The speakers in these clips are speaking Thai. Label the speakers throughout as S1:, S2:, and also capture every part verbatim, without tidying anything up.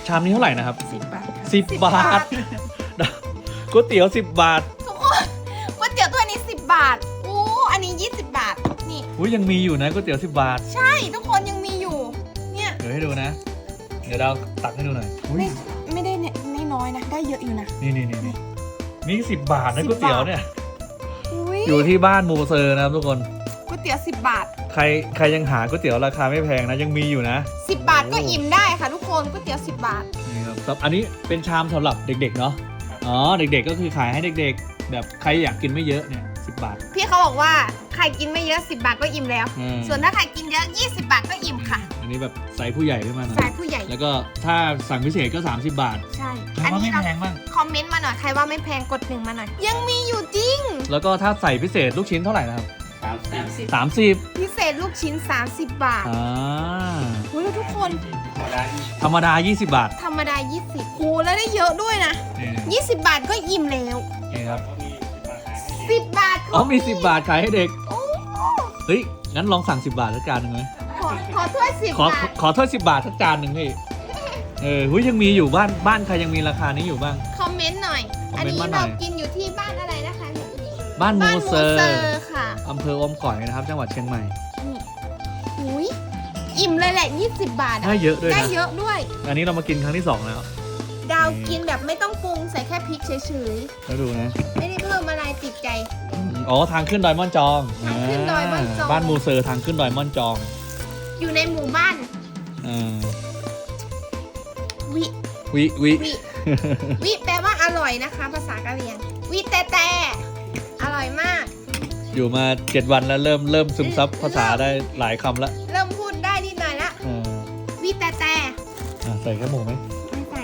S1: ชามนี้เท่าไหร่นะครับ
S2: สิบบาท
S1: สิบบาทก๋วยเตี๋ยวสิบบาท
S2: ทุกคนก๋วยเตี๋ยวถ้วยนี้สิบบาทโอ้อันนี้ยี่สิบบาทนี่
S1: อุ้ยยังมีอยู่นะก๋วยเตี๋ยวสิบบาท
S2: ใช่ทุกคนยังมีอยู่เนี่ย
S1: เดี๋ยวให้ดูนะเดี๋ยวเราตักให้ดูหน่อยอุ้ย
S2: ไม่ไม่ได้เนี่ยไม่น้อยนะได้เยอะอยู่นะ
S1: นี่นี่นี่นี่นี่สิบบาทนะก๋วยเตี๋ยวเนี่ย
S2: อุ้ย
S1: อยู่ที่บ้านมูเซอร์นะครับทุกคน
S2: ก๋วยเตี๋ยวสิบบาท
S1: ใครใครยังหาก๋วยเตี๋ยวราคาไม่แพงนะยังมีอยู่นะ
S2: สิบบาทก็อิ่มได้ค่ะทุกคนก๋วยเตี๋ยวสิบบาท
S1: นี่ครับอันนี้เป็นชามสำหรับเด็กๆเนาะอ๋อเด็กๆก็คือขายให้เด็กๆ แบบใครอยากกินไม่เยอะเนี่ยสิบบาท
S2: พี่เขาบอกว่าใครกินไม่เยอะสิบบาทก็อิ่มแล้ว
S1: อืม
S2: ส่วนถ้าใครกินเยอะยี่สิบบาทก็อิ่มค่ะ
S1: อันนี้แบบไซส์ผู้ใหญ่ขึ้นมาหน่อย
S2: สายผู้ใหญ่
S1: แล้วก็ถ้าสั่งพิเศษก็สามสิบบาท
S2: ใช่
S1: อั
S2: อั
S1: น
S2: น
S1: นี้
S2: นี้
S1: ไม่
S2: เรา
S1: แพงมาก
S2: คอมเมนต์มาหน่อยใครว่าไม่แพงกดหนึ่งมาหน่อย ยังมีอยู่จริง
S1: แล้วก็ถ้าใส่พิเศษลูกชิ้นเท่าไหร่นะครับ
S3: สามสิบ
S1: สามสิบ
S2: พิเศษลูกชิ้นสามสิบบาท
S1: อ่า
S2: โอ้ยแล้วทุกคน
S1: ธรรมดายี่สิบบาท
S2: ธรรมดายี่สิบโอ้แล้วได้เยอะด้วยนะ
S1: นี่
S2: ยี่สิบบาทก็อิ่มแล้ว
S1: นี่ครับ
S2: สิบบาท
S1: อ๋อมีสิบบาทขายให้เด็ก
S2: โอ้
S1: เฮ้ยงั้นลองสั่งสิบบาทสักจานหนึ่งไหม
S2: ขอขอถ้วยสิบ
S1: ขอบ
S2: าท
S1: ขอถ้วยสิบบาทสักจานหนึ่งพี่เออหุ้ยยังมีอยู่บ้านบ้านใครยังมีราคานี้อยู่บ้าง
S2: คอมเมนต์หน่อย
S1: คอม
S2: อัน
S1: เมนต์
S2: นี้
S1: มาหน่
S2: เรา
S1: อย
S2: กินอยู่ที่บ้านอะไรนะคะ
S1: บ้านมู
S2: บ้านมู
S1: เซอ
S2: เซอ
S1: ร์
S2: ร์ค่ะ
S1: อำเภออมก่อยนะครับ จังหวัดเชียงใหม่
S2: นี่หุยอิ่มเลยแหละยี่สิบบาทอะ
S1: ได้เยอะด้วย
S2: ได้
S1: นะ
S2: เยอะด้วย
S1: อันนี้เรามากินครั้งที่สองแล้ว
S2: ดาวกินแบบไม่ต้องปรุงใส่แค่พริกเฉย
S1: แล้วดูนะ
S2: ๆ ไม่ได้เพิ่มอะไรติดใจ
S1: อ๋อทางขึ้นดอยม่อนจอง
S2: ทางขึ้นดอยม่อนจอง
S1: บ้านมูเซอร์ทางขึ้นดอยม่อนจอง
S2: อยู่ในหมู่บ้าน
S1: อ่า
S2: วิ
S1: วิวิ
S2: วิ วิแปลว่าอร่อยนะคะ ภาษากะเหรี่ยง วิแต่แต่อร่อยมาก
S1: อยู่มาเจ็ดวันแล้วเริ่มเริ่มซึมซับภาษาได้หลายคำแล้ว
S2: เริ่มพูดได้นิดหน่อยละ
S1: อ่า
S2: วิแต่แต่
S1: อ่ะใส่แค่หมูไหม
S2: ไม่ใส่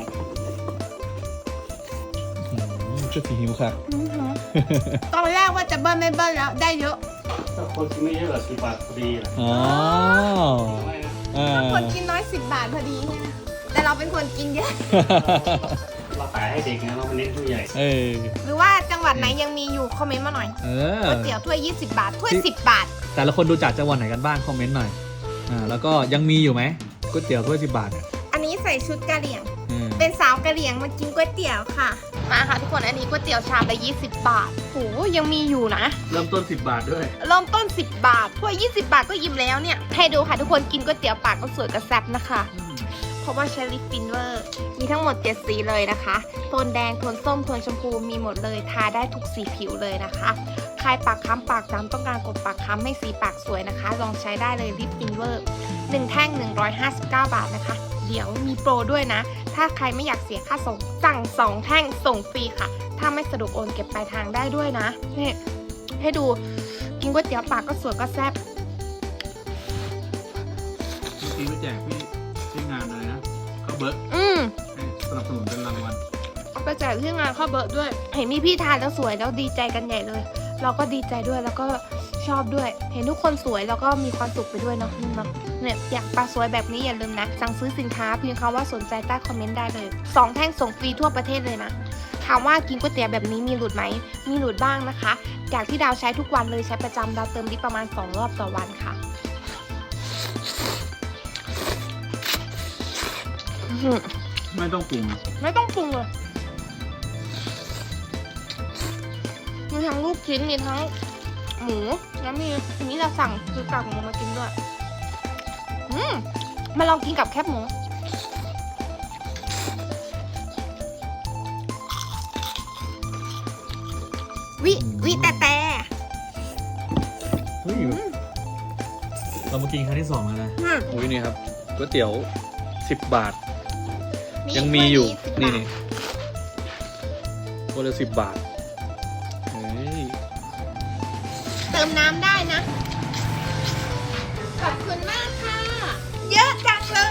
S1: อืมก็สีหิวค่ะ
S2: อื้อหือตอนแรกว่าจะเบิ้ลไม่เบิ้ลแล้วได้เยอะ
S3: ถ้าคนกินไม่เยอะกว่าสิบบาทพอดีแหละ
S1: อ๋ออ่า
S2: ถ้าคนกินน้อยสิบบาทพอดีใช่ไหมแต่เราเป็นคนกินเยอะ
S3: เราขายให้เด็กนะเราไม่เน้นผู้ใหญ่
S1: เออ
S2: หรือว่าจังหวัดไหนยังมีอยู่คอมเมนต์มาหน่อย
S1: เออ
S2: ก๋วยเตี๋ยวถ้วยยี่สิบบาท ถ้วยสิบบาท
S1: แต่ละคนดูจากจังหวัดไหนกันบ้างคอมเมนต์หน่อยอ่าแล้วก็ยังมีอยู่ไหมก๋วยเตี๋ยวถ้วยสิบบาทเนี่ย
S2: อันนี้ใส่ชุดกะเหรี่ยง
S1: อืม
S2: เป็นสาวกะเหรี่ยงมากินก๋วยเตี๋ยวค่ะ มาค่ะทุกคน อันนี้ก๋วยเตี๋ยวชามละยี่สิบบาทโหยังมีอยู่นะ
S1: เริ่มต้นสิบบาทด้วย
S2: เริ่มต้นสิบบาท ถ้วยยี่สิบบาทก็อิ่มแล้วเนี่ย ให้ดูค่ะทุกคนกินก๋วยเตี๋ยวปากก็สวยกระแซบนะคะ เพราะว่าใช้ลิปฟินเวอร์ มีทั้งหมดเจ็ดสีเลยนะคะ โทนแดง โทนส้ม โทนชมพู มีหมดเลย ทาได้ทุกสีผิวเลยนะคะ ใครปากค้ำปากดำต้องการกดปากค้ำให้สีปากสวยนะคะ ลองใช้ได้เลยลิปฟินเวอร์หนึ่งแท่งหนึ่งร้อยห้าสิบเก้าบาทนะคะ เดี๋ยวมีโปรด้วยนะ ถ้าใครไม่อยากเสียค่าส่ง สั่งสองแท่งส่งฟรีค่ะ ถ้าไม่สะดวกโอนเก็บปลายทางได้ด้วยนะนี่ให้ดู กินก๋วยเตี๋ยวปากก็สวยก็แซ่บ
S1: เมื่อกี้ไปแจกพี่ที่งานอะไรนะข้าวเบิร์ก
S2: อืม
S1: ให้สนับสนุนเป็นรางวัล
S2: เอาไปแจกที่งานข้าวเบิร์ดด้วย เห็นมีพี่ทานแล้วสวยแล้วดีใจกันใหญ่เลย เราก็ดีใจด้วยแล้วก็ชอบด้วย เห็นทุกคนสวยแล้วก็มีความสุขไปด้วยเนาะเนาะเนี่ยอยากปลาสวยแบบนี้อย่าลืมนะ สั่งซื้อสินค้าเพียงคำว่าสนใจใต้คอมเมนต์ได้เลยสองแท่งส่งฟรีทั่วประเทศเลยนะถามว่ากินก๋วยเตี๋ยวแบบนี้มีหลุดไหมมีหลุดบ้างนะคะ จากที่ดาวใช้ทุกวันเลยใช้ประจำดาวเติมลิปประมาณสองรอบต่อวันค่ะอื้อหือ
S1: ไม่ต้องปรุง
S2: ไม่ต้องปรุงเลยมีทั้งลูกชิ้นมีทั้งหมูแล้วมีทีนี้เราสั่งคือกากหมูมากินด้วยอืมมาลองกินกับแคบหมูวิวิแต่แต่
S1: เฮ้ยเรามากินครั้งที่สองแล้วนะ
S2: อืม
S1: อุ้ยนี่ครับก๋วยเตี๋ยวสิบบาท
S2: นี่
S1: ยังมีอยู่
S2: ถ้ว
S1: นี่
S2: สิบบาท
S1: นี่คนละสิบบาทเฮ้ย
S2: เติมน้ำได้นะ ขอบคุณมากค่ะ เยอะจังเลย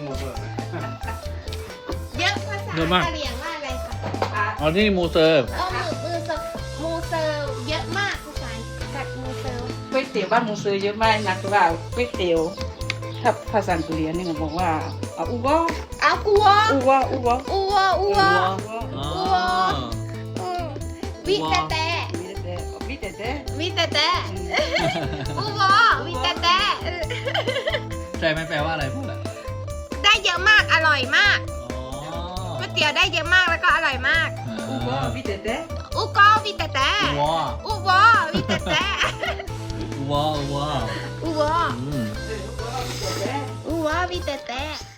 S2: เยอะภาษากะเหรี่ยงว่าอะไรคะ
S1: อ๋อที่มูเซอร์
S2: เออมือมือเซอร์มูเซอร์เยอะมากภาษาแบบมูเซอร์
S4: ก๋วยเตี๋ยวบ้านมูเซอร์เยอะมากนะคือว่าก๋วยเตี๋ยวถ้าภาษาอังกฤษนี่มันบอกว่าอ่ะอูวอ
S2: เอากัว
S4: อูวออูวอ
S2: อัวอัว
S1: อ๋อ
S2: อืมวิแต่แต่
S4: มีแต่มีแต่แต่
S2: วิแต่แต่อัววิแต่แต่
S1: ใจไหมแปลว่าอะไรพูดอ่ะ
S2: ได้เยอะมากอร่อยมาก
S1: อ๋อ
S2: ตี๋ยวได้เยอะมากแล้วก็อร่อยมาก
S4: อูโก้พี่เต้เต้
S2: อุโกวิเตแตะ
S1: ว้า
S2: อุโววิเตแตะ
S1: ว้าว้า
S2: อุโว
S1: อืม
S4: เอออูโก้พี่เต้เต้
S2: อุโววิเตแตะ